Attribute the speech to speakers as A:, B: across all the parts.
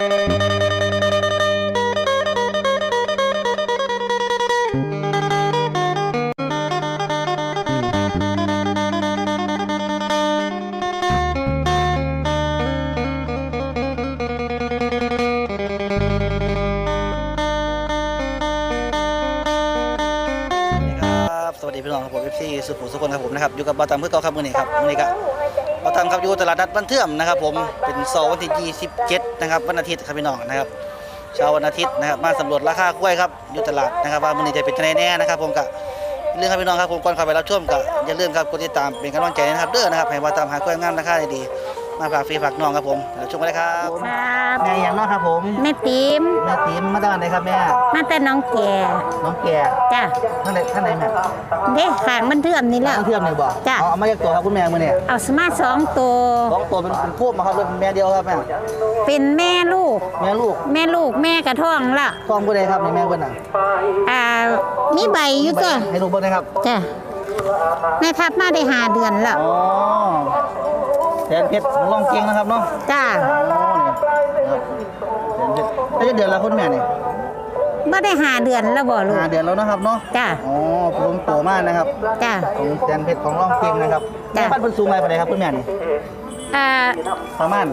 A: สวัสดีพี่น้องครับผมเอฟซีสุขุมสุขคนครับผมนะครับอยู่กับบ่าวตามเพื่อเก่าครับมื้อนี้ครับมื้อนี้ก็บ่าวตามครับอยู่ตลาดนัดบ้านเทื่อมนะครับผมเป็นเสาร์วันที่27นะครับวันอาทิตย์ครับพี่น้องนะครับเช้าวันอาทิตย์นะครับมาสำรวจราคากล้วยครับอยู่ตลาดนะครับว่ามื้อนี้จะเป็นจังได๋แน่นะครับผมก็เรื่องครับพี่น้องครับผมก่อนเข้าไปรับชมก็อย่าลืมครับกดติดตามเป็นกำลังใจนะครับเด้อนะครับให้บ่าวตามหากล้วยงามราคาดีๆมาฝากฟรีฝากน้องครับผมรับชมกันเลยครับ
B: ครับ
A: แม่อย่างน้องครับผม
B: แม่ติ๋ม
A: แม่ติ๋มมาจากไหนครับแม่
B: มาแต่น้องแก่
A: น้องแก่
B: จ้ะ
A: ท่านไหนแม่
B: เด็กขางมันเทื่อมนี่แหละ
A: น้องเทื่อมนี่บ่
B: จ้ะ
A: เอามาจากตัวครับคุณแม่มื้อนี้
B: เอาสมา2 ตัว
A: สองตัวเป็นคู่มาครับเลยเป็นแม่เดียวครับแม่
B: เป็นแม่ลูก
A: แม่ลูก
B: แม่กระท้องละ
A: ท้องผู้ใดครับนี่แม่เพิ่นน่ะ
B: มีใบอยู่ตัว
A: ให้ลูกเบิ่งนะครับ
B: จ้ะแม่ทับมาได้5 เดือนแล้ว
A: อ๋อแสนเพชรลองเก่งนะครับเนาะ
B: จ้ะ
A: อ๋อนี่ครับแสนเพชรได้เดือนละคุณแม่นี่
B: บ่ได้5 เดือนแล้วบ่ลูก
A: 5 เดือนแล้วนะครับเนาะ
B: จ้ะ
A: อ๋อผมโตมากนะครับ
B: จ้ะ
A: ของแสนเพชรของลองเก่งนะครับ
B: จ้ะ
A: แม่บ้านเพิ่นสูงอะไรปานใดครับคุณแม่นี่
B: อ่า
A: ประมาณ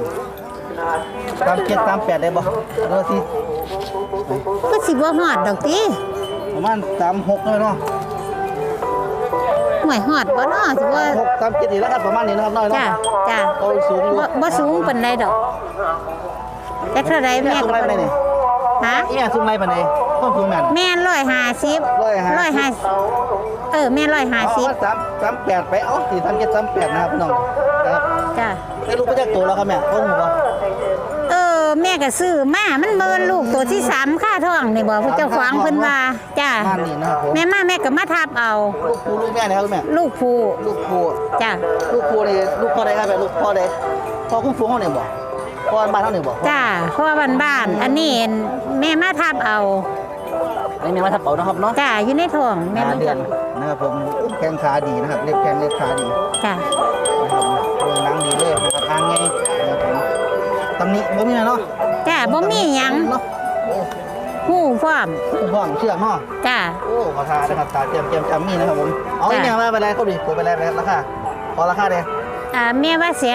A: 37 38ได้บ่หรือว่าสิ
B: ก็สิบ่ฮอดดอกติ
A: ประมาณ36เลยเนาะ
B: ห่วยฮอดบ่เนาะสิว่า
A: 6 37นี่แหล้วครับประมาณนี้นะครับน้อยเนาะ
B: จ้ะจ้ะ
A: เขาสูงอยู่
B: บ่สูงปานใดดอกแต่เท่าใด
A: แม่
B: แม่
A: สูง
B: ก็
A: อะไรปานใดนี่
B: ฮะ
A: แม่สูงอะไรปานใดต้นสูงแม่น
B: แม่150 แม่150
A: ว่า38ไปเอา43738นะครับพี่น้องนะครับ
B: จ้ะ
A: ได้ลูกไปจากตัวแล้วครับแม่ต้นหมูบ่
B: แม่ก็ซื้อมามันเมินลูกตัวที่3ค่าท้องนี่บ่ผู้เจ้าของเพิ่นว่าจ้ะ
A: บ้านนี่นะครับผม
B: แม่ก็มาทับเอา
A: ลูกครูลูกแม่นะครับแม่
B: ลูกผู้
A: ลูกครู
B: จ้ะ
A: ลูกครูนี่ลูกพ่อใดครับแม่ลูกพ่อใดพ่อคุ้มฟูงเฮานี่บ่พ่อบ้านเฮานี่บ่
B: จ้ะเพราะว่าบ้านๆอันนี้แม่มาทับเอา
A: อันนี้แม่มาทับเป๋านะครับเนาะ
B: จ้ะอยู่ในท้องแม่
A: 5
B: รู้
A: เดือ
B: จั
A: น
B: ก
A: นะครับผมแข้งขาดีนะครับเล็บแข้งเล็บขาดี
B: จ้ะ
A: นะครับเรื่องหนังดีเลยนะครับทางไงนะครับผมตำหนิบ่มีนะเนาะ
B: จ้ะบ่มีหยัง
A: เนาะโอ้
B: ฮู้พร้อม
A: ห้องเชือกเนาะ
B: จ้ะ
A: โอ้ราคานะครับตาเตรียมจำมีนะครับผมเอาอีกอย่างมาไปเลยเขาดิตัวไปเลยราคาพอราคาเด้
B: แม่ว่า160,000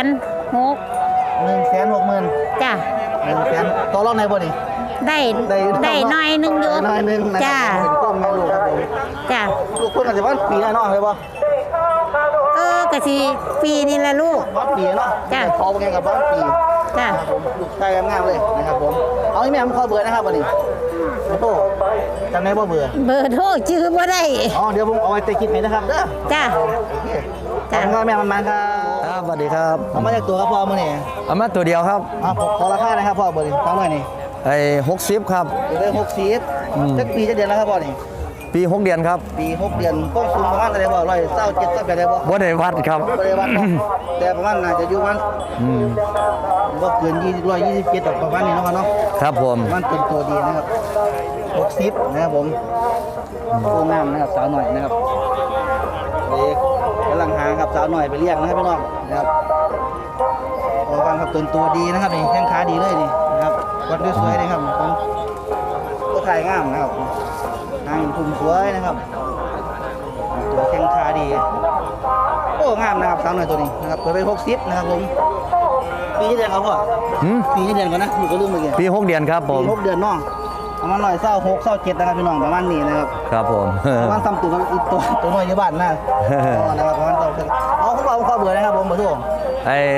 A: 160,000
B: จ้ะ
A: 100,000ต่อรองในบ่นี่
B: ได้หน่อยนึงอยู่
A: น้อยหนึงนะ
B: จ้ะ
A: เป็นก้มแม่ลูกครับผม
B: จ้ะ
A: ลูกเพิ่นก็สิว่าปีแล้วเนาะเลยบ่
B: ก็สิปีนี่แหละลูก
A: บ่ปีเนาะ
B: จ้ะ
A: พอบ่ไงกับบ่ปี
B: จ้ะ
A: ครับผมลูกชายงามๆเลยนะครับผมเอาอีแม่ผมขอเบอร์นะครับบ่นี่โอ้จำได้บ่เบอร์
B: เบอร์โทรชื่อบ่ได้
A: อ๋อเดี๋ยวผมเอาไว้ใต้คลิปให้นะครับเด้อ
B: จ้ะ
A: โอเค
B: จ้ะ
A: ขอบคุณแม่มันๆครับครับสวัสดีครับเอามาจากตัวครับพ่อมื้อนี้
C: เอามาตัวเดียวครับ
A: ขอราคานะครับพ่อเบอร์นี้ฟังหน่อยนี่
C: ไอ้60ครับ
A: อยู่ได้60จักปีจักเดือนแล้วครับพ่อนี่
C: ปี6 เดือนครับ
A: ปี6เดือนก็สูงประมาณเท่าไหร่บ่127สักได้บ่
C: บ่ได้วัดครับ
A: บ่ได้วัดเนาะแต่ประมาณน่าจะอยู่ประมาณ
C: อืม
A: บ่เกิน127ดอกประมาณนี้เนาะครับเนาะ
C: ครับผม
A: ประมาณเป็นตัวดีนะครับ60นะครับผมตัวงามนะครับสาวหน่อยนะครับเด็กกำลังหาครับสาวหน่อยไปเลี้ยงนะครับพี่น้องนะครับโอ้ฟังครับตัวดีนะครับนี่แข้งขาดีเลยนี่นะครับวัดด้วยสวยเลยครับผมตัวถ่ายงามนะครับหางทุ่มสวยนะครับตัวแข้งขาดีโอ้งามนะครับสาวหน่อยตัวนี้นะครับเปิดไป60นะครับผมปีที่เดือนครับพ่อ
C: หืม
A: ปีที่เดือนก่อนนะอยู่ก็ลืมเมื่อกี้
C: ปี6 เดือนครับผม
A: ปี6เดือนเน้องประมาณ126-27นะครับพี่น้องประมาณนี้นะครับ
C: ครับผม
A: ประมาณซ้ำอีกตัวน้อยอยู่บ้านนะนะครับประมาณตัวเอาผมขอเบอร์นะครับผมเบอร์โทร
C: ไอ้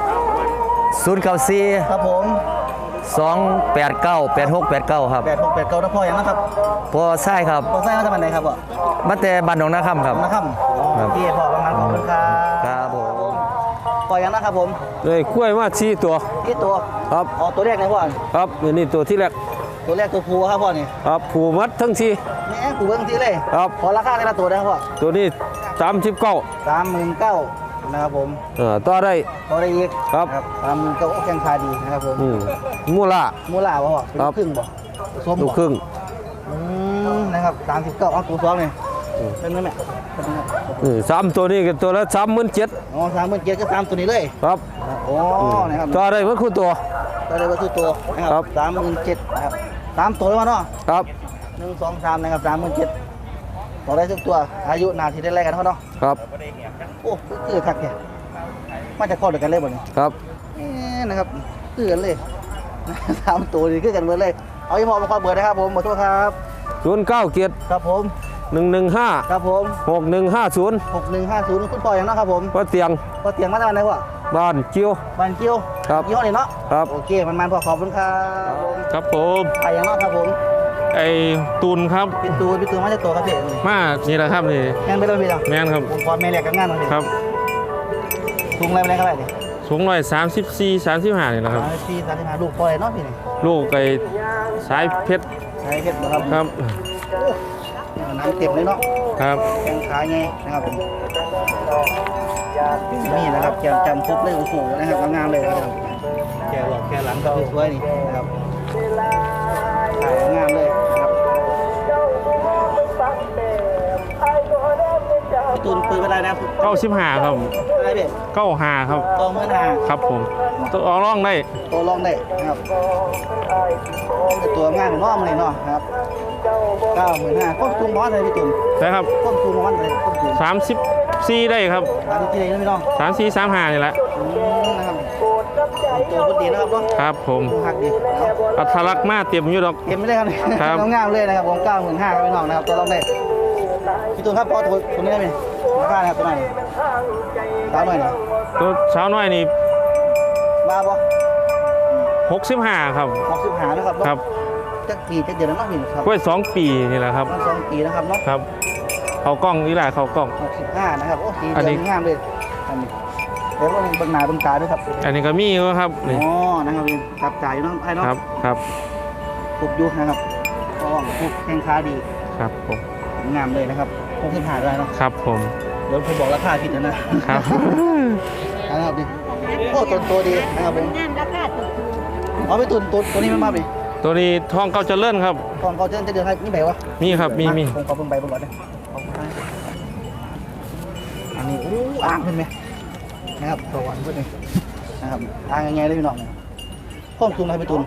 C: 094
A: ครับผม
C: 289 8689ครับ
A: 8689นะพ่อยังนะครับ
C: พอใช่ครับ
A: พ่อใส่มาจากไหนครับพ่อ
C: มาแต่บ้านหนองนาคำครับ
A: นะครับ
C: ครับ
A: พี่พ่อบางนั้นขอบคุณครับ
C: ครับผม
A: พ่อยังนะครับผม
D: เลยกล้วยมา4 ตัว
A: ที่ตัว
D: ครับ
A: อ๋อตัวแรกไหนพ่อ
D: ครับนี่ตัวที่แรก
A: ตัวแรกตัวภูครับพ่อนี่
D: ครับผูมัดทั้งสี่
A: แม่กูเบิ่งที่เลย
D: ครับ
A: ขอราคาในละตัวนะครับพ่อ
D: ตัวนี้39
A: 39,000นะครับผม
D: ต่อได้
A: พอได้อีก
D: ครับ
A: 39,000โอ้แข้งขาดีนะครับผม
D: มูล่า
A: มูลาบ่พ่อเป็น
D: ครับ
A: ครึ่งบ่ส้ม
D: ลู
A: บ่
D: กครึ่ง
A: นะครับ39เอาตัวสองนี่เป็นไหมแม่เป็นไหม
D: 3ตัวนี้ก็ตัวละ37,000
A: อ๋อ37,000ก็3ตัวนี้เลย
D: ครับ
A: โอ้นะครับ
D: ต่อได้เพิ่นคู่ตัว
A: อะไรว่าคือตัวนะค
D: ครั
A: รับบ37,000นะครับ3ตัวแล้วเนาะ
D: ครับ
A: 1 2 3นะครับ37,000ต่อได้ทุกตัวอายุนาทีได้แรกกันเนาะ
D: ครับ
A: โอ้คือคักเนี่ยมาจากข้อเดียวกันเลยบ่เนี่ย
D: ครับ
A: นะครับคือกันเลย3ตัวนี่คือกันหมดเลยเอาอีหมอมาขอเบอร์นะครับผมขอโทษครับ
D: 097
A: ครับผม
D: 115
A: ครับผม
D: 6150
A: 6150คุณพ่ออย่างเนาะครับผม
D: ว่าเตียง
A: พอเตียงมาจากไหนวะ
D: บ้านเจียว
A: บ้านเกี้ยว
D: ครับ
A: ยี่ห้อนี้เนาะ
D: ครับ
A: โอเคมันพอขอบคุณครับผม
E: ครับผม
A: ไปอย่างเนาะครับผม
E: ไอ้ตูนครับ
A: พี่ตูมาจากตัวครับพี่
E: มานี่แหละครับนี่
A: งานไปแล้วพี่เหรอ
E: แม่นครับ
A: ผมขอแม่แรกกับงานมาพี่
E: ครับ
A: ทุงอะไรไปไหนครับพี่
E: สูง134-35นี่แหละครับ
A: ลูกปล่อยเนาะพี่นี่
E: ลูกไอ้สายเพชร
A: ใช่เพชรนะครับ
E: ครับ
A: น้ำเต็มเลยเนาะ
E: ครับ
A: แข้งขาไงนะครับผมนี่นะครับแกจำครบเลยโอ้โหนะครับงามเลยนะครับแกหลอกแกหลังก็สวยนี่นะครับถ่ายงามเลยนะครับพี่ตูนปืนเป็นไรนะ
E: 95ครับ
A: อะไรพี่
E: 95ครับ
A: ตัวมือหนา
E: ครับผมตัวออกร่องได้
A: ตัวลองได้นะครับตัวงานของน้องเลยเนาะครับ95,000ควบคุมบอสเลยพี่ตูน
E: นะครับ
A: ควบคุมบอสเลยควบคุม
E: 34ได้ครับ
A: ที่ไหนนะพี่น้อง
E: 34-35นี่แหละ
A: นะครับตัวพุทธดีนะครับเนาะ
E: ครับผม
A: หักดีเอา
E: อัตลักษณ์มาเตรียมอยู่ดอก
A: เก็บไม่ได้ครับ
E: ครับ
A: งามเลยนะครับผม95,000ครับพี่น้องนะครับตัวลองได้พี่ตูนครับพอตัวนี้ได้ไหมราคานะครับตัวไหนสาวหน่อยนี่
E: ตัวสาวน้อยนี่
A: มาบ่
E: 65ครับ
A: 65นะครับ
E: ครับ
A: จักปีจักเดือนแล้วเนาะพี่ครับ
E: กล้วย2 ปีนี่แหละครับ
A: มัน2 ปีนะครับเนาะ
E: ครับเขากล้องนี่แหละเขากล้อง
A: 65นะครับโอ้สี
E: อัน
A: เดื
E: นี้
A: อนงามเลยอันนี้เดี๋ยวเราเบิ่งหน้าเบิ่งตาด้วยครับ
E: อันนี้ก็มีอยู่ครับ
A: อ๋
E: นี่
A: อนะครับพี่จับจ่ายอยู่เนาะไอ้เนาะ
E: ครับครับ
A: ครบอยุนะครับก็ครบแข้งขาดี
E: ครับผม
A: งามเลยนะครับ65ได้เนาะ
E: ครับผม
A: เดี๋ยวผมบอกราคาผิดนะครับ นะครับดิโอ้ตัวดีนะครับผม
B: งานราคาถูก
A: เอาไปตัวนี้มันมาดิ
E: ตัวนี้ทองเก้าเจริญครับ
A: ของเขาจะเดือนให้นี่แบบวะ
E: มีครับมี
A: ผมขอเบิ่งใบเบิ่งก่อนนะอันนี้อู้อ่างขึ้นไหมนะครับตัววันขึ้นเลยนะครับอ่างยังไงเลยพี่น้องข้อมตุนให้ไปตุน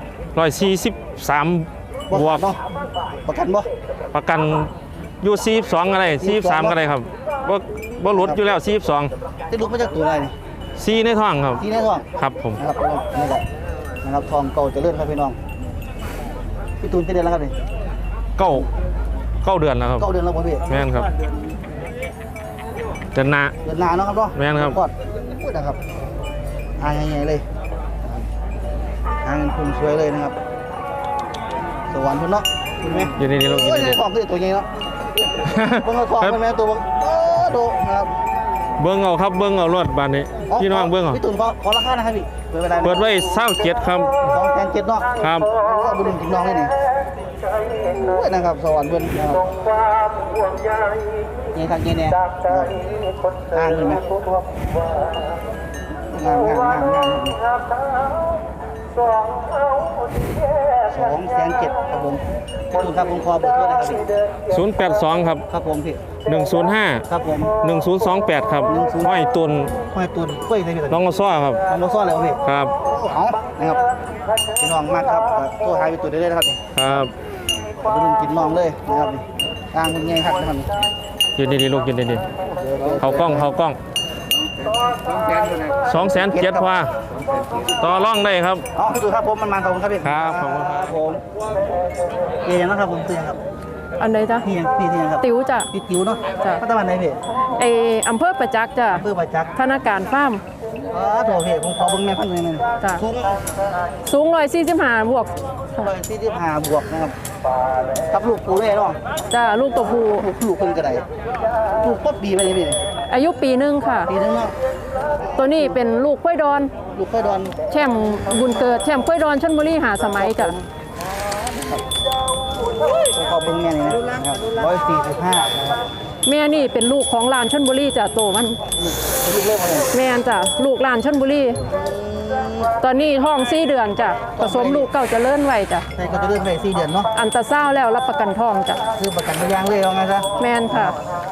E: 143บวก
A: เนาะประกันบ่
E: ประกันอยู่42อะไร43ก็ได้ครับบ่หลุดอยู่แล้ว42
A: ที่ลูกมาจากตัวอะไรนี่
E: 4ในท้องครับ
A: ที่แน่ท้อง
E: ครับผม
A: นะครับนี่แหละนะครับทองเก่าจะเลื่อนครับพี่น้องพี่ตูนจะเดือนแล้วครับนี่
E: เก้าเดือนแล้วครับ
A: เก้าเดือนแล้วบ่พี่
E: แม่นครับเดือนหน้า
A: เดือนหน้าเนาะครับเนาะ
E: แม่นครับ
A: กอดพูดนะครับอ่างยังไงเลยอ่างคุณสวยเลยนะครับสวรรค์พุ่นเนาะเห็นไหม
E: อยู่ในนี้ลูกอยู่
A: โอ้ย
E: ใน
A: ใน
E: นี้
A: ท้องคือตัวใหญ่เนาะเบิ่งเอาท้องมันแม่ตัวโดนะครับ
E: เบิ่งเอาครับเบิ่งเอารถบานนี้พี่น้องเบิ่งเอา
A: พี่ตุนขอราคานะครับพี่เปิด
E: เปิดไว้27ครับ
A: 2,700เนาะ
E: ครับ
A: บุญกินน้องเลยนี่โอ้ยนะครับสวรรค์เพิ่นนะครับนี่ทางนี้เนี่ยอ่างเห็นไหมงาม2,700,000ครับผมพี่ตุนครับผมขอเบอร์โทรนะครับพี่
E: 082ครับ
A: ครับผมพี่
E: 105
A: ครับผม
E: 1028ครับห้อยตุน
A: ห้อยตุนกล้วยใส่พี่
E: น้องกระซ้อครับ
A: น้องโมซ่อนอะไรวะพี่
E: ครับ
A: เอานะครับพี่น้องมากครับโทรหายไปตุนได้เลยนะครับนี่
E: ครับ
A: ไปดูกินน้องเลยนะครับนี่กลางเป็นไงครับนะครับนี่
E: ยืนดีๆลูกยืนดีๆเขากล้อง207,000ว่าต่อร่องได้ครับ
A: เอาพี่ตุนครับผมมันขอบคุณครับพี่
E: ครับขอบคุณครับ
A: ผมเฮียยังนะครับผมเฮียครับ
F: อันไหนจ๊ะ
A: เฮียครับ
F: ติ๋วจ้ะ
A: พี่ติ๋วเนาะ
F: จ้ะ
A: พัฒนาไหนพี่
F: ไออำเภอประจักษ์จ้ะ
A: เพื่อประจักษ์
F: ธนาคารฟาร์ม
A: โถพี่ผมขอเบิ้งแม่พันหนึ่ง
F: จ้ะ
A: สูง
F: สูง145บวก
A: 145 บวกนะครับกับลูกปูเลยเนาะ
F: จ้ะลูกตัวผู้
A: ลูกคนกระไดลูกป๊อบปีไปเลยพี่
F: อายุปีหนึงค่ะ
A: ปีนึงเนาะ
F: ตัวนี้เป็นลูกกล้วยดอน
A: ลูกค่อยดอน
F: แชมป์บุญเกิดแชมป์กล้วยดอนชลบุรีหาสมัยจ้ะ
A: ผมขอเบิ้งแม่นี่นะครับ145นะครับ
F: แม่นี่เป็นลูกของลานชลบุรีจ้ะโตมัน
A: ลูกเริ่มมาเลย
F: แม่นจ้ะลูกลานชลบุรีตอนนี้ท้อง4เดือนจ้ะผสมลูกเก่าเจะเลิ่นไว้จ้ะ
A: ใช่ก็จะเริ่มไป4 เดือนเนาะ
F: อันตราซาวด์แล้วรับประกันท้องจ้ะ
A: คือประกันพยางเลยเอาไงซะ
F: แม่นค่ะ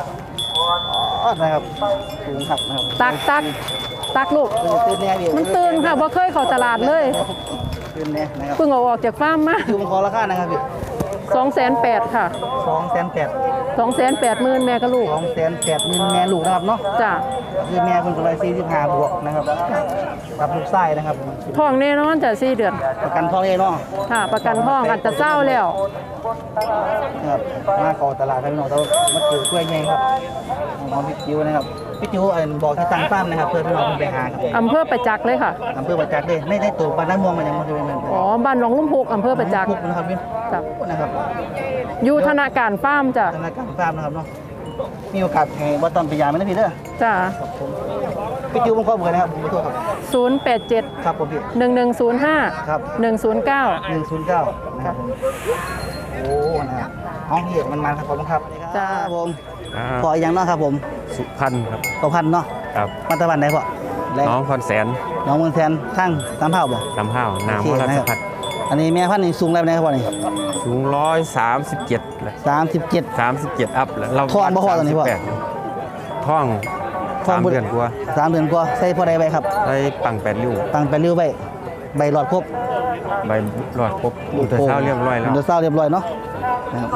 A: นะครับสูงขับนะครับ
F: ตักลูก
A: ตื่นแน่พี่
F: มันตื่นค่ะบ่เคยเข้าตลาดเลย
A: เขึ้นเนี่ยนะครับ
F: เพิ่งเอาออกจากฟาร์มมา
A: คือผมขอราคานะครับพี่
F: 280,000ค่ะ
A: 280,000
F: 280,000แม่กับลูก
A: 280,000แม่ลูกนะครับเนาะ
F: จ้ะ
A: คือแม่คนก็เลย45บวกนะครับกับลูกไส้นะครับ
F: ท้องแน่นอนจ้ะ4 เดือน
A: ประกันท้องเองเนาะ
F: ค่ะ ประกันท้องอันจะเศร้าแล้ว
A: นะครับมาขอตลาดพี่น้องเรามาถือกล้วยไงครับน้องพี่จิ๋วนะครับพี่จิ๋วบอกที่ตั้งฟาร์มนะครับเพื่อพี่น้องไปหาครับ
F: อำเภอประจักษ์เลยค่ะ
A: อำเภอประจักษ์เลยไม่ได้ตัวบ้านน้ำม่วงมันยังไม่เคยเป็น
F: อ๋อ บ้านหนองลุ่มพุกอำเภอประจักษ์
A: พุกนะครับพี่
F: จ้ะ
A: นะครับ
F: อยู่ธนาคารฟาร์มจ้ะ
A: ธนาคารฟาร์มนะครับเนาะมีโอกาสให้ว่าตอนไปยามไหมนะพี่เด้อ
F: จ้ะ
A: ครับผมพี่จิ๋วผมขอเบอร์นะครับผมขอโทษครับ
F: 087
A: ครับผมพี่
F: 1105
A: ครับ
F: 109
A: 109นะครับผมโอ้นะครับห้องเหี้ยมันครับผมครับ
F: จ้า
A: ครับผมพออีกอย่างเนาะครับผม
E: สุพรรณครับ
A: ต่อพันเนาะ
E: ครับ
A: มาตะวันไหนพ่อแรง
E: น้องคอนแสน
A: น้องเมืองแทนข้างตามเผาบ่
E: ลำห้าวนา
A: โอ
E: ม
A: เค
E: รา
A: นะ
E: ช
A: ครับ
E: พัฒน์
A: อันนี้แม่พันธุ์นี่สูงแล้วนะครับพ่อนี่
E: สูง137เลย
A: 37
E: 37อัพแล้วเรา
A: ท้องบ่พอตอนนี้พ่อ
E: 38ท้อง
A: ท้อง
E: 3 เดือนกว่า
A: 3 เดือนกว่าใส่พ่อใดไปครับ
E: ได้ปัง8ริ้ว
A: ตั้งไปเลี้ยวไปใบหลอดครบ
E: ใบหลอดครบอุตสาหเรียบร้อยแล้ว
A: เดือดเศร้าเรียบร้อยเนาะนะครับ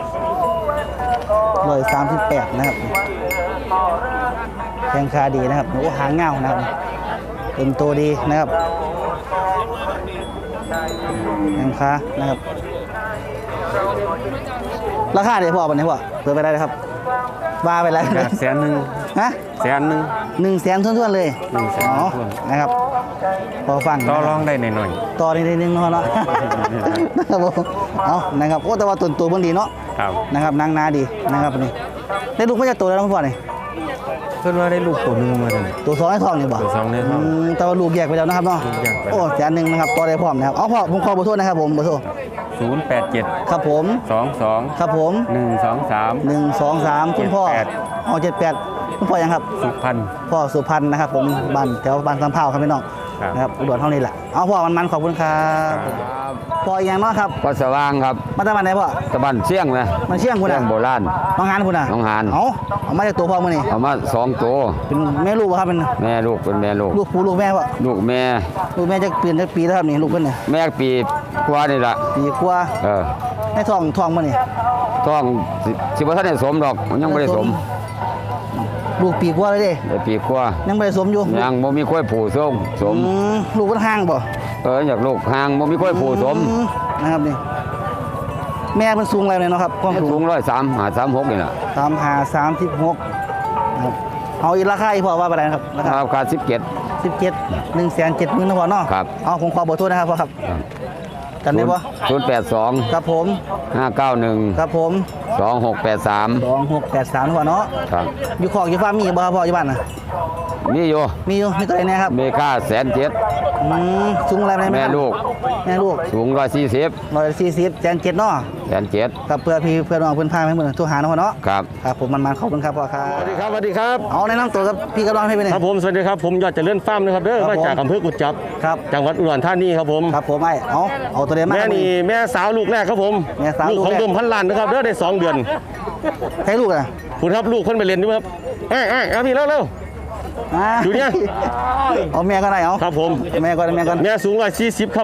A: 138นะครับแข้งขาดีนะครับโอ้หางเงานะครับเป็นตัวดีนะครับแข้งขานะครับราคาเดี๋ยวพ่อปันนี้พ่อเปิดไปได้เลยครับว่าไปแล้ว
E: จาก100,000
A: ฮะ
E: 100,000
A: 100,000ท้วนๆเลย
E: 100,000
A: อ๋อ
E: ท้วน
A: นะครับพอฟัง
E: ต่อ
A: นะครับ
E: รองได้หน่อย
A: ต่อนิดนึงเนาะ นะครับผมเอานะครับโอ้แต่ว่าตัวเบิ่งดีเนาะ
E: ๆครับ
A: นะครับนางนาดีนะครับนี่ได้ลูกมาจากตัวแล้วน้องพ่อนี่
E: เพิ่นว่าได้ลูกตัวหนึงมาเลย
A: ตัวสองในท้องนี่บ่
E: ตัวสองในท้อง
A: แต่ว่าลูกแยกไปแล้วนะครับเนาะ
E: ลูกแยกไปแล้ว
A: โอ้แสนหนึ่งนะครับต่อได้พร้อมนะครับเอาพ่อผมขอเบอร์โทรนะครับผมเบอร์โทร
E: 087
A: ครับผม
E: 22
A: ครับผม
E: 123
A: 123คุณพ่อ
E: 78
A: เอา78คุณพ่อยังครับ
E: สุพรรณ
A: พ่อสุพรรณนะครับผมบ้านแถวบ้านสำเภาครับพี่น้อง
E: ครับ
A: นะครับอุดรเท่านี้แหละเอาพ่อมันขอบคุณครับพ่ออีกอย่างเนาะครับ
G: วัดสว่างครับ
A: มาจากบ้านไหนพ่อ
G: ตะบันเสี่ยงนะ
A: มันเชี่ยงคุณ
G: เสี่ย
A: อ่ะ
G: งโบราณ
A: น้องหานคุณอ่ะ
G: น้องหาน
A: เอามาจากตัวพ่อมื่อนี่
G: เอามา2ตัว
A: เป็นแม่ลูกป่ะครับเป็น
G: แม่ลูกเป็นแม่ลูก
A: ลูกผู้ลูกแม่ป่ะ
G: ลูกแม่
A: ลูกแม่จะเปลี่ยนจะปีแล้วครับนี่ลูกเพิ่นเนี่ย
G: แม่ปีกว่านี่ล่ะ
A: ปีกว่า
G: เออ
A: ในท้องมื่อนี่
G: ท้องสิบ่ทันได้สมดอกมันยังบ่ได้สม
A: ลูกปีกว่าเลยเด้
G: ได้ปีกว่า
A: ยังไม่ได้สมอยู่
G: ยังบ่มีค่อยผูสมสม
A: ลูกมันห่างบ่
G: อยากลูกห่างบ่มีค่อยผูสม
A: นะครับนี่แม่มันสูงอะไรเนี่ยเนาะครับความสู
G: สู
A: ง
G: ง135 36นี่ล่ะ
A: 36นะครับเอาอีกราคาอีกพอว่าไปไหนครับราคา
G: ราคา17
A: 17 170,000นะพ่อเนาะ
G: ครับ
A: เอาผมขอเบอร์โทรนะครับพ่อครับกันได้ป่ะ
G: 082
A: ครับผม
G: 591
A: ครับผม
G: 2683
A: 2683นะพ่อเนาะ
G: ครับ
A: อยู่คอกอยู่ฟาร์มมีบ่ครับพ่ออยู่บ้านน่ะ
G: มีอยู่
A: มีอยู่มีตัวไหนเนี่ยครับ
G: เมค่า107,000
A: สูงอะไรไหม
G: แม่ลูก
A: แม่ลูก
G: สูง140
A: 140107เนาะ
G: 107
A: กับเพื่อพี่เพื่อนน้องเพื่อนพาให้เหมือนตัวหาเนาะเนาะ
G: ครับ
A: ครับผมมันขอบคุณครับพ่อครับ
E: สวัสดีครับสวัสดีครับ
A: เอาแนะนำตัวกับพี่กำลังให้ไปหนึ่ง
E: ครับผมสวัสดีครับผมยอดเจริญฟาร์มนะครับเด้อ
A: ครับ
E: มาจาก
A: ผม
E: อำเภอกุจจับ
A: ครับ
E: จังหวัดอุดรธานีครับผม
A: ครับผมเอาตัวเดียวมา
E: แม่นี่แม่สาวลูกแรกครับผม
A: แม่สาว
E: ลูกของ
A: ลูกแรก
E: เดิมพันล้านนะครับเด้อได้2 เดือน
A: ให้ลูกอ่ะ
E: คุณครับลูกเพิ่นไปเรียนด้วยครับเอาพี่เร็ว อยู่เนี่ย
A: เอาแม่ก็ได้เอา
E: ครับผม
A: แม่ก่อนแม่ก่อน
E: แม่สูง140ครับ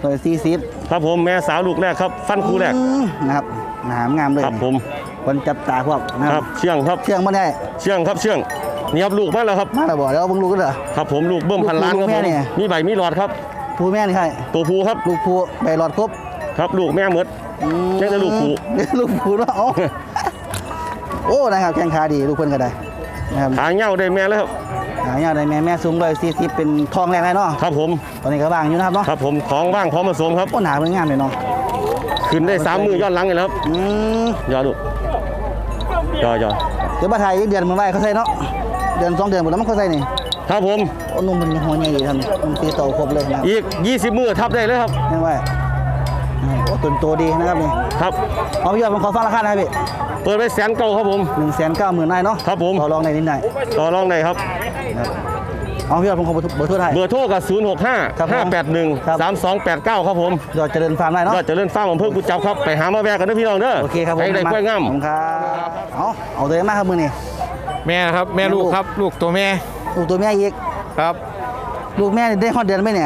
A: 140
E: ครับผมแม่สาวลูกแรกครับฟันคู่แรก
A: นะครับหนามงามเลย
E: ครับผม
A: คนจับตาพวกนะ
E: ค
A: ค
E: รั
A: รั
E: บบ เชื่องครับ
A: เชื่องมาได้
E: เชื่องครับเชื่องนี่ครับลูกมาแล้วครับ
A: มาแล้วบอกแล้วเพิ่งลูกก็เหรอ
E: ครับผมลูกเบิ่มพันล้านครับ
A: ลูก
E: ผ
A: แม่
E: ม
A: เนี่ย
E: มีใบมีหลอดครับ
A: ผู้แม่นี่ใคร
E: ตัวผู้ครับ
A: ลูกผู้ใบหลอดครบ
E: ครับลูกแม่หมด แค่แต่ลูกผู้
A: ลูกผู้แล้วโอ้นะครับแข้งขาดีลูกเพิ่นก็ได้นะครับ
E: หางเหย้าได้แม่แล้วครับ
A: หายาได้แม่สูง140เป็นทองแรกเลยเนาะ
E: ครับผม
A: ตอนนี้ก็ว่างอยู่นะครับเนาะ
E: ครับผมท้องว่างพร้อมผสมครับ
A: โอ้หนาเพิ่นงามเลยเนาะ
E: ขึ้นได้3 มือย้อนหลังเลยแล้วครับ ยอดูยอ
A: เดี๋ยวมาถ่ายอีกเดือนมันไว้เขาใส่เนาะเดือน2 เดือนหมดแล้วมันเขาใส่นี่
E: ครับผม
A: โอ้นุ่มเป็นหัวใหญ่ดีทำนี่นุ่มตีโตครบเลยนะ
E: อีก20 มือทับได้เลยครับ
A: นี่ไว้โอ้ตุนโตดีนะครับนี่
E: ครับ
A: เอาพี่ยอดผมขอฟังราคาหน่อยพี่
E: เปิดไป190,000ครับผม
A: 190,000ได้เนาะ
E: ครับผม
A: ต่อรองในนิดหน่อย
E: ต่อรองได้ครับ
A: เอาพี่ยอดผมขอเบอร์โทรให้
E: เบอร์โทรกับ065
A: ครับผม ครับ
E: 581 3289ครับผม
A: ยอดเจริญฟาร์มได้เนาะ
E: ยอดเจริญฟาร์มอำเภอกุจจับครับไปหามาแวกกันนะพี่น้องเด้อ
A: โอเคครับผม
E: ให้ได้กล้วยงาม
A: ขอบคุณครับเอาตัวเองมากครับมือนี่
H: แม่ครับแม่ลูกครับลูกตัวแม่
A: ลูกตัวแม่อีก
H: ครับ
A: ลูกแม่นี่ได้ฮอดเดือนไหมเนี่ย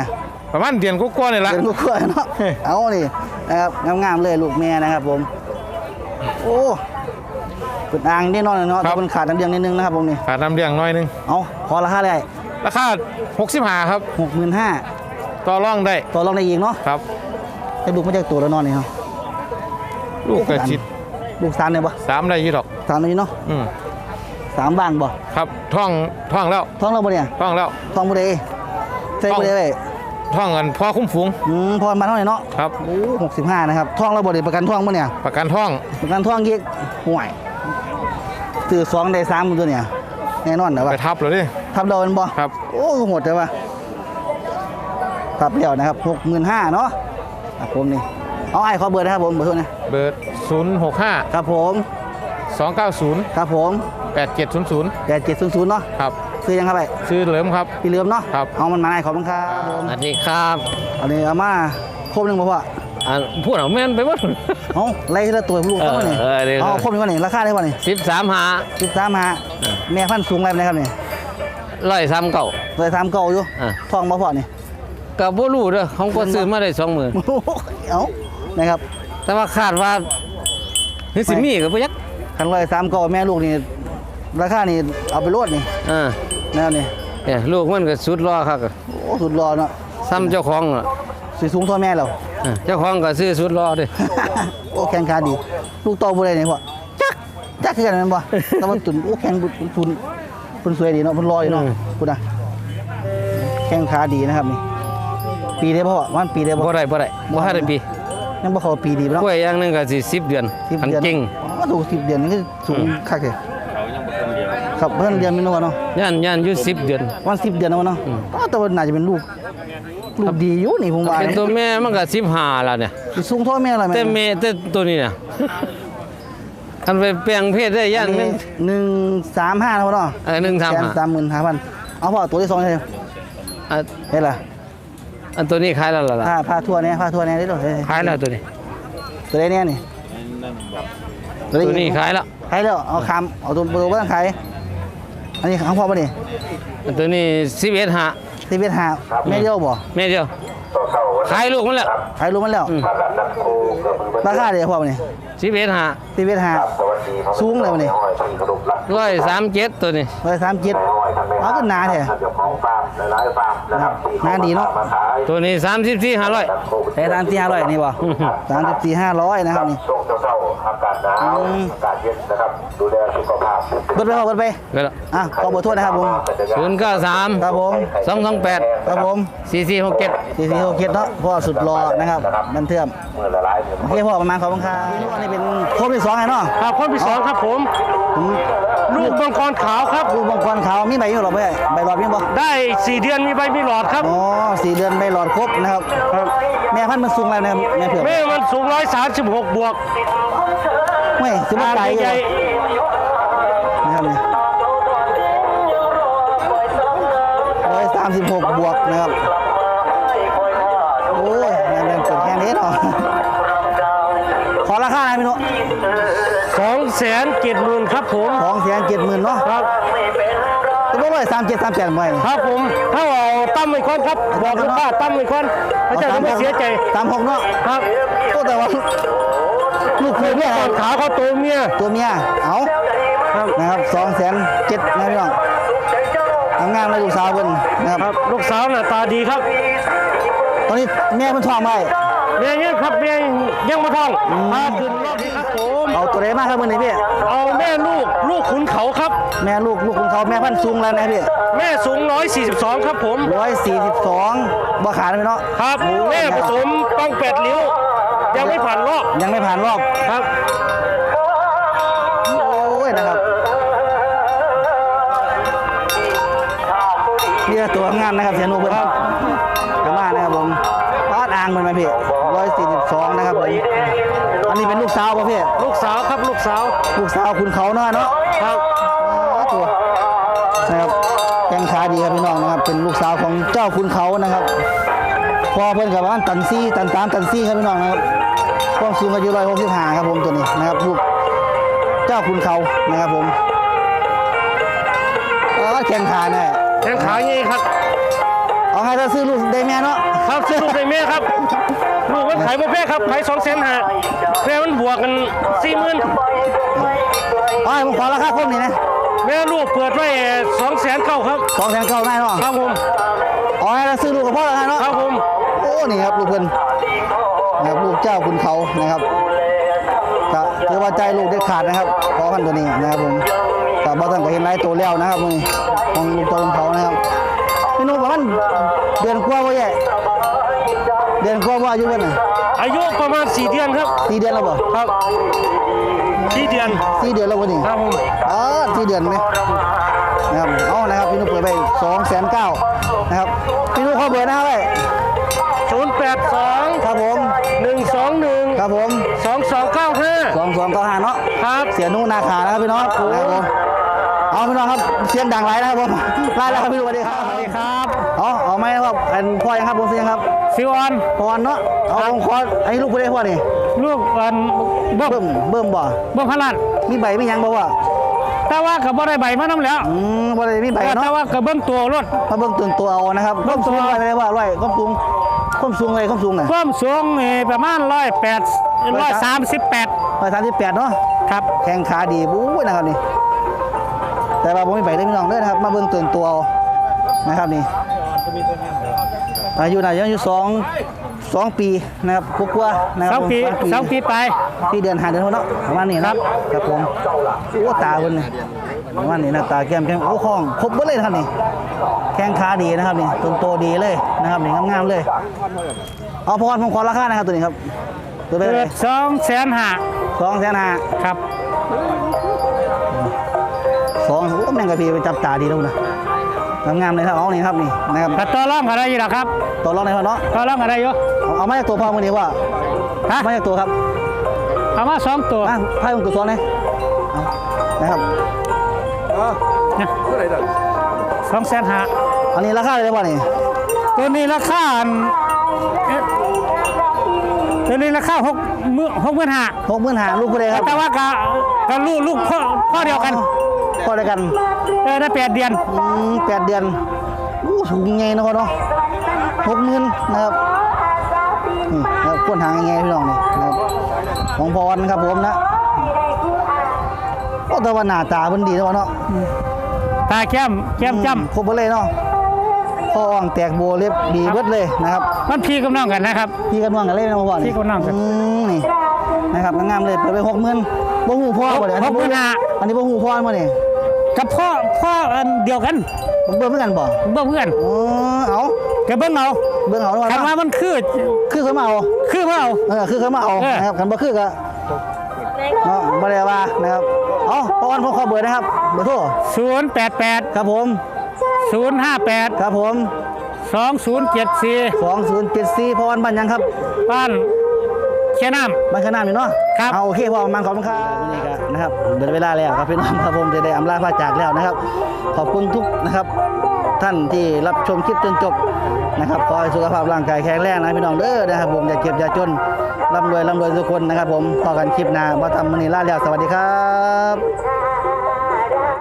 H: ประมาณเดือนกว่าๆนี่ละ
A: เป็นลูกกล้วยเนาะเอานี่นะครับงามๆเลยลูกแม่นะครับผมโอ้เป็นอ่างแน่นอนเลยเนาะแต่มันขาดน้ำเลี้ยงนิดนึงนะครับผมนี่
H: ขาดน้ำเลี้ยงน้อยนึง
A: เอาพอราคาได้
H: ราคา65ครับ
A: 65,000
H: ต่อรองได้
A: ต่อรองได้อีกเนาะ
H: ครับ
A: ให้ลูกมาจากตัวแล้วนอนนี่เนาะ
H: ลูกกระชิด
A: ลูก3เนี่ยบ่
H: 3ได้อยู่ดอก
A: 3นี่เนาะ
H: อืม
A: 3บ้านบ่
H: ครับท่องแล้ว
A: ท้องเราบ่เนี่ย
H: ท่องแล้ว
A: ท้องบ่ได้ใส่บ่ได้เว้ย
H: ท่องกันพอคุ้มฝูง
A: พอมาเท่าไหร่เนาะ
H: ครับ
A: โอ้65นะครับท้องเราบ่ได้ประกันท้องบ่เนี่ย
H: ประกันท่อง
A: ประกันท้องอีกห่วยซื้อ2ได้3ตัวเนี่ยแน่นอนนะ
H: ไป
A: ว่า
H: ทับเลยดิ
A: ทับเราเป็นบ่
H: ครับ
A: โอ้โหดเลยว่ะทับเดียวนะครับ65,000เนาะครับผมนี่เอาไอ้ขอเบอร์นะครับผมเบอร์โทรนะ
H: เบอร์065
A: ครับผม
H: 290
A: ครับผม
H: 8700
A: 8700เนาะ
H: ครับ
A: ซื้อยังครับไป
H: ชื่อเหลิมครับ
A: พี่เหลือมเนาะ
H: ครับ
A: เอามันมาให้ขอบคุณครับผม
C: สวัสดีครับ
A: อันนี้เอามาครบหนึงบ่พ่อ
C: พูดเอาแม่นไปหมด
A: เอาไล่ทีละตัวลูกเขาบ่นี่
C: เดี๋ยว
A: เอาครบหนึงก่อนนี่ราคาได้บ่นี่
C: 13หา
A: 13มาแม่พันธุ์สูงอะไรนะครับนี่
C: 103เก่า
A: เลย3เก่าอยู่
C: อ่า
A: ทองบ่พ่อนี่
C: ก็บ่รู้เด้อของก็ซื้อมาได้20,000
A: เอานะครับ
C: แต่ว่าคาดว่าคือสิมีก็บ่ยัก
A: คันเลย3เก่าแม่ลูกนี่ราคานี่เอาไปโลดนี่
C: อ่า
A: นะครับนี่
C: เนี่ยลูกมันก็สุดรอครับ
A: โอ้สุดรอเนาะ
C: ซ้ำเจ้าของอ่ะ
A: สีสูงเท่าแม่เรา
C: เจ้าของก็ซื้อสุดรอเด้
A: โอ้แข็งขาดี ลูกโตบ่ได้นี่พ่อจักคือกันแม่นบ่แต่ว่าตุนโอ้แข็งตุนเพิ่นสวยดีเนาะเพิ่นรออยู่เนาะพุ่นน่ะแข้งขาดีนะครับนี่ปีได้บ่พ่อมันปีได้บ่
C: บ่ได้บ่ทันได้ปี
A: ยังบ่เข้าปีดีบ่เนาะ
C: กล้วยอย่างหนึงก็สิ10 เดือน
A: 10
C: คัน
A: เดือน
C: เก่ง
A: อ๋อถูก10เดือนนี่คือสูงคักเลยครับเพิ่นเดือนมีเนาะเนาะ
C: ย่านอยู่10 เดือน
A: วัน10เดือนแล้วเนาะอ๋อแต่ว่าน่าจะเป็นลูกดีอยู่นี่ผมว่า
C: เป็นตัวแม่มันก็15แล้วเนี่ย
A: สิสูงเท่าแม่ล่ะแม่
C: แต่แม่แต่ตัวนี้น่ะคันไปแปลงเพศได้ย่านมัน
A: 135แล้วเนาะ
C: 135
A: เอาพ่อตัวที่2ใช่
C: อ่ะ
A: เฮ็ดล่ะ
C: อันตัวนี้ขายแล้วล่ะ
A: ผ้าทั่วเนี่ยผ้าทั่วเนี่ยได้ดอก
C: ขายแล้วตัวนี้
A: ตัวไหนเนี่ยนี่
C: ตัวนี้ขายแล้ว
A: ขายแล้วเอาคำเอาตัวบ่ต้องขายอันนี้ของพ่อป่ะนี่
C: อันตัวนี้11หา
A: ที่เวทหาแม่เดียวบ่
C: แม่เดียวขายลูกมันแล้ว
A: ขายรู้มันแล้วราคาเดียวพ่อป่ะนี่
C: 11หา
A: ที่เวทหาสูงเลยป่ะนี่
C: 137ตัวนี้
A: 137เอาขึ้นหนาแท้นะครับหนาดีเนาะ
C: ตัวนี้34,500
A: แต่34,500นี่บ่34,500นะครับนี่เบิดไปพ่อเบิดไป
C: ก็แล้ว
A: อ่ะขอเบอร์โทษนะครับผม
C: 093
A: ครับผม
C: 228
A: ครับผม
C: 4467
A: 4467เนาะพ่อสุดรอนะครับบันเทื่อมโอเคพ่อประมาณขอบคุณครับอันนี้เป็นครบที่2ไงเนาะ
E: ครับคนที่สองครับผม ลูกมังกรขาวครับ
A: ลูกมังกรขาวมีใบอยู่หรอเพื่อนใบหลอดมีบ่
E: ได้4 เดือนมีใบมีหลอดครับ
A: อ๋อ4 เดือนใบหลอดครบนะครับแม่พันธุ์มันสูงแล้วนะครับแม่เผือก
E: แม่มันสูง136บวก
A: ไม่สิบ
E: อ่าง
A: ไก่
E: ใหญ่
A: นะครับนี่136 บวกนะครับโอ้ยแม่เปิดแค่นี้เนาะขอราคาหน่อยพี่นุ๊ก
E: 270,000ครับผม
A: 270,000เนาะ
E: ครับ
A: ตัวบ่เลย3738บ่
E: ครับผมถ้าเอาตั้มไว้ก่อนครับบอกลูกค้าตั้มไว้ก่อนพระเจ้าจะไม่เสียใจ
A: 36เนาะ
E: ครับ
A: โอ้แต่ว่าลูกคือเมีย
E: ก่อนขาเขาตัวเมีย
A: ตัวเมียเอานะครับ207,000นะพี่น้องทำงานเลยลูกสาวเพิ่นนะครับ
E: ครับลูกสาวหน้าตาดีครับ
A: ตอนนี้แม่เพิ่นท้องไว้
E: เมียยังครับเมียยังมาท้องพาขึ้นรอบนี้ครับผม
A: เอาตัวใดมาครับมื้อนี้พี่
E: เอาแม่ลูกขุนเขาครับ
A: แม่ลูกคุณเขาแม่พันธุ์สูงแล้วนะพี่
E: แม่สูง142ครับผม
A: 142บ่ขาดเลยเนาะ
E: ครับแม่ผสมปัง8 ริ้ว ยังไม่ผ่านรอบ
A: ยังไม่ผ่านรอบ
E: ครับ
A: โอ้ยนะครับนี่ตัวงามนะครับเสียหนูเพิ่นกระมานะครับผมปาดอ่างมันไหมพี่142นะครับผมอันนี้เป็นลูกสาวป่ะพี่
E: ลูกสาวครับลูกสาว
A: ลูกสาวคุณเขาเนาะเนาะ
E: ครับ
A: ตัวนะครับแข้งขาดีครับพี่น้องนะครับเป็นลูกสาวของเจ้าคุณเขานะครับพอเพิ่นกับว่าตันซี่ตันตามตันซี่ครับพี่น้องนะครับความสูงก็อยู่165ครับผมตัวนี้นะครับลูกเจ้าคุณเขานะครับผมแข้งขาแน่
E: แข้งขางี้ครับ
A: เอาเอาให้ถ้าซื้อลูกได้แม่เนาะ
E: ครับซื้อลูกในแม่ครับลูกมันขายบ่แพงครับขาย200,000หาแม่มันบวกกัน 40,000
A: เอาให้ผมขอราคาคมนี่นะ
E: แม่ลูกเปิดไว้200,009ครับ
A: 200,000ได้เนาะ
E: ครับผม
A: เอาให้ถ้าซื้อลูกกับพ่อแล้วกันเนาะ
E: ครับผม
A: โอ้นี่ครับลูกเพิ่นนะครับลูกเจ้าคุณเขานะครับก็ถือว่าใจลูกได้ขาดนะครับขอพันตัวนี้นะครับผมแต่บ่ต้องก็เห็นไล่ตัวแล้วนะครับมื้อนี้ของลูกเจ้าคุณเขานะครับพี่นุ่มประมาณเดือนกว่าบ่แย่เดือนกว่าบ่อายุเพิ่นน่ะ
E: อายุประมาณ4 เดือนครับ
A: 4 เดือนแล้วบ่
E: ครับ4 เดือน
A: 4 เดือนแล้วบ่นี่
E: ครับผม
A: 4 เดือนไหมนะครับเอานะครับพี่นุ่มเปิดไป2,900,000นะครับพี่นุ่มขอเบอร์นะครับไว้
E: 082
A: ครับผม
E: 121
A: ครับผม
E: 2295
A: 2295เนาะ
E: ครับ
A: เสียนุ่งนาขานะครับพี่น้องนะครับผมเอาพี่น้องครับเสียงดังไรนะครับผมไล่แล้วครับพี่นุ่มสวัสดีครับสวัสดีครับเอาไหมครับอันพ่อยังครับผมเสียงครับ
D: ซิวออน
A: พ่อเนาะเอาผมขออันนี้ลูกผู้ใดพ่อนี่
D: ลูกอันเบิ่ม
A: เบิ่มบ่
D: เบิ่มพลัด
A: มีใบมีหยังบ่วะ
D: แต่ว่าก็บ่ได้ใบมานํแล้ว
A: บ่ได้มีใบ
D: แต่
A: เนาะ
D: ว่าก็เบิ่งตัวรถ
A: มาเบิ่งตื่นตัวเอานะครับ
D: เบิ่งตัว
A: ร้อยไปเลยว่าร้อยความสูงเลยความสูงน่ะ
D: ความสูงนี่ประมาณ138
A: 138เนาะ
D: ครับ
A: แข้งขาดีบู๊นะครับนี่แต่ว่าผมมีใบได้พี่น้องเด้อนะครับมาเบิ่งตื่นตัวเอานะครับนี่อายุน่าจะอยู่2 ปีนะครับกว่าๆนะครับ
D: 2 ปีไป
A: ที่เดือน5 เดือนเนาะประมาณนี้นะครับครับผมโอ้ตาเพิ่นนี่ประมาณนี้นะตาแก้มโอ้คองครบเบิดเลยนะครับนี่แข้งขาดีนะครับนี่ต้นโตดีเลยนะครับนี่งามๆเลยเอาพรผมขอราคานะครับตัวนี้ครับตัวไป
D: เกิ
A: เลย
D: ด250,000
A: 2,500,000
D: ครับ
A: โอ้แม่งกะพีไปจับตาดีแล้วนะงามๆเลยครับเอานี่ครับนี่นะครับ
D: ก็ต่อรองกันได้อยู่ล่ะครับ
A: ตัวรองในพ่อเนาะ
D: ต่อรองกันได้อยู่
A: เอามาจากตัวพ่อมือนี้ว่า
D: ฮะ
A: มาจากตัวครับ
D: เอามา2ตัว
A: ไพ่ของตัวซ้อนเลยเอานะครับ
D: 250,000
A: อันนี้ราคาเลยป่ะนี่
D: ตัวนี้ราคาตัวนี้ราคา65,000
A: 65,000ลูกผู้ใดครับ
D: แต่ว่าก็ลูกพ่อเดียวกัน
A: พ่อเดียวกัน
D: ได้8 เดือน
A: 8 เดือนสูงไงนะพ่อเนาะ60,000นะครับนี่นะครับก้นหางไงพี่น้องนี่นะครับของพรนะครับผมนะโอ้แต่ว่าหน้าตาเพิ่นดีนะพ่อเนาะ
D: ตาแก้มจ้ำ
A: ครบหมดเลยเนาะคออ่องแตกโบเล็บดีเบิดเลยนะครับ
D: มันพี่กับน้องกันนะครับ
A: พี่กันว่างกันเล่นนะพ่อ
D: พี่กับน้องกัน
A: นี่นะครับงามๆเลยเปิดไป60,000บ่ฮู้พ่อบ่เดี๋ยวอันนี้บ่ฮู้พ่อบ่นี่
D: กับพ่ออันเดียวกัน
A: เบิ่งเหมือนกันบ่
D: เบิ่งเพื่อน
A: เอา
D: แกเบิ่งเอา
A: เบิ่งเอาแล้ว
D: คันว่ามันคือ
A: เขามาเอา
D: คือมาเอา
A: คือเขามาเอานะครับคันบ่คือก็เนาะบ่ได้ว่านะครับเอาพ่อวันผมขอเบอร์นะครับเบอร์โทร
D: 088
A: ครับผม
D: 058
A: ครับผม
D: 2074
A: 2074พ่อวันบ้านยังครับ
D: บ้านเชียน้ำ
A: บ้านขนาดนี่เนาะ
D: ครับ
A: เอาโอเคพ่อมันขอบคุณครับนี่ก็นะครับเดินเวลาแล้วครับพี่น้องครับผมจะได้อำลาพระจากแล้วนะครับ ขอบคุณทุกนะครับท่านที่รับชมคลิปจนจบนะครับขอให้สุขภาพร่างกายแข็งแรงนะพี่น้องเด้อนะครับผมอย่าเจ็บอย่าจนร่ำรวยทุกคนนะครับผมพอกันคลิปหน้าบ่ทำมื้อนี้ลาแล้วสวัสดีครับ